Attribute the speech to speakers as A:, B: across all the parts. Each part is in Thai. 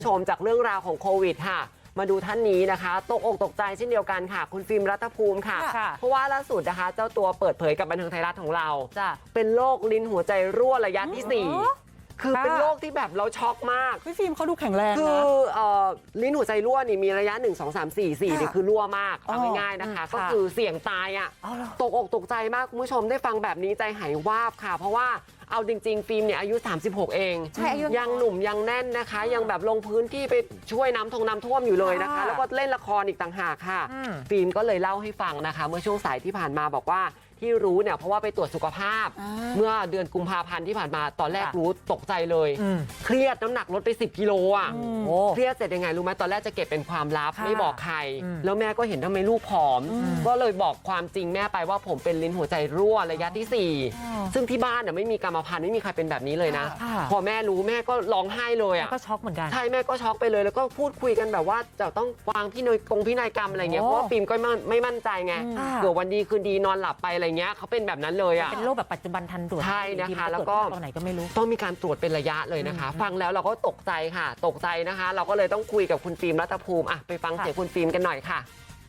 A: ชมจากเรื่องราวของโควิดค่ะมาดูท่านนี้นะคะตกอกตกใจเช่นเดียวกันค่ะคุณฟิล์มรัฐภูมิค่ะเพราะว่าล่าสุดนะคะเจ้าตัวเปิดเผยกับบันเทิงไทยรัฐของเราเป็นโรคลิ้นหัวใจรั่วระยะที่4คือเป็นโรคที่แบบเราช็อกมาก
B: พี่ฟิล์มเขาดูแข็งแรงนะ
A: คือลิ้นหัวใจรั่วนี่มีระยะ1 2 3 4 4นี่คือรั่วมากเอาง่ายๆนะคะก็คือเสี่ยงตายอ่ะตกอกตกใจมากคุณผู้ชมได้ฟังแบบนี้ใจหายวาบค่ะเพราะว่าเอาจริงๆฟิล์มเนี่ยอายุ36เองยังหนุ่มยังแน่นนะคะยังแบบลงพื้นที่ไปช่วยน้ำท่วมอยู่เลยนะคะแล้วก็เล่นละครอีกต่างหากค่ะฟิล์มก็เลยเล่าให้ฟังนะคะเมื่อช่วงสายที่ผ่านมาบอกว่าที่รู้เนี่ยเพราะว่าไปตรวจสุขภาพเมื่อเดือนกุมภาพันธ์ที่ผ่านมาตอนแรกรู้ตกใจเลยเครียดน้ำหนักลดไป10 กิโลอ่ะเครียดเสร็จยังไงรู้ไหมตอนแรกจะเก็บเป็นความลับไม่บอกใครแล้วแม่ก็เห็นทำไมลูกผอมก็เลยบอกความจริงแม่ไปว่าผมเป็นลิ้นหัวใจรั่วระยะที่4ซึ่งที่บ้านเนี่ยไม่มีกรรมพันธุ์ไม่มีใครเป็นแบบนี้เลยนะพอแม่รู้แม่ก็ร้องไห้เลยอ่ะ
C: ก็ช็อกเหมือนกัน
A: ใช่แม่ก็ช็อกไปเลยแล้วก็พูดคุยกันแบบว่าจะต้องวางพินัยกรรมอะไรเงี้ยเพราะว่าฟิล์มก็ไม่มั่นใจไงเผื่อวันดีคืนดีนอนหลับไปอะไรเงี้ยเขาเป็นแบบนั้นเลยอ่ะ
C: เป็นโรคแบบปัจจุบันทันด่วน
A: ใช่นะคะแล้วก็
C: ตอนไหนก็ไม่รู้
A: ต้องมีการตรวจเป็นระยะเลยนะคะฟังแล้วเราก็ตกใจค่ะตกใจนะคะเราก็เลยต้องคุยกับคุณฟิล์มรัฐภูมิอ่ะไปฟังเสียงคุณฟิล์มกันหน่อยค่ะ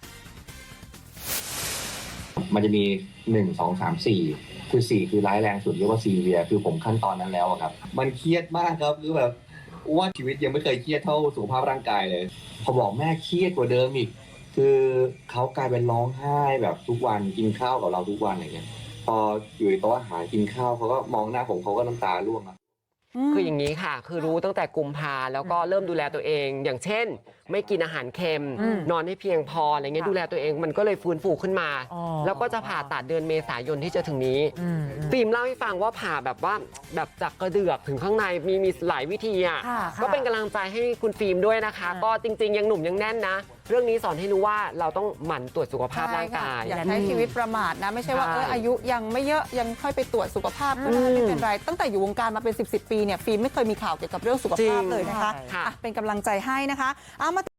D: มันจะมี1 2 3 4คือ4คือร้ายแรงสุดเรียกว่าซีเวียคือผมขั้นตอนนั้นแล้วครับมันเครียดมากครับคือแบบว่าชีวิตยังไม่เคยเครียดเท่าสุขภาพร่างกายเลยพอบอกแม่เครียดกว่าเดิมอีกคือเขากลายเป็นร้องไห้แบบทุกวันกินข้าวกับเราทุกวันอะไรเงี้ยพออยู่ในโต๊ะอาหารกินข้าวเขาก็มองหน้าผมเขาก็น้ำตาร่วงครับ
A: คืออย่างนี้ค่ะคือรู้ตั้งแต่กุมภาแล้วก็เริ่มดูแลตัวเองอย่างเช่นไม่กินอาหารเค็มนอนให้เพียงพออะไรเงี้ยดูแลตัวเองมันก็เลยฟื้นฟูขึ้นมาแล้วก็จะผ่าตัดเดือนเมษายนที่จะถึงนี้ฟิล์มเล่าให้ฟังว่าผ่าแบบว่าแบบจากกระเดือกถึงข้างในมีหลายวิธีอ่ะก็เป็นกำลังใจให้คุณฟิล์มด้วยนะคะก็จริงๆยังหนุ่มยังแน่นนะเรื่องนี้สอนให้รู้ว่าเราต้องหมั่นตรวจสุขภาพร่างกาย
B: อย่าใช้ชีวิตประมาทนะไม่ใช่ว่าอายุยังไม่เยอะยังค่อยไปตรวจสุขภาพก็ได้ไม่เป็นไรตั้งแต่อยู่วงการมาเป็น10 ปีเนี่ยฟิล์มไม่เคยมีข่าวเกี่ยวกับเรื่องสุขภาพเลยนะคะเป็นกำลังใจให้นะคะ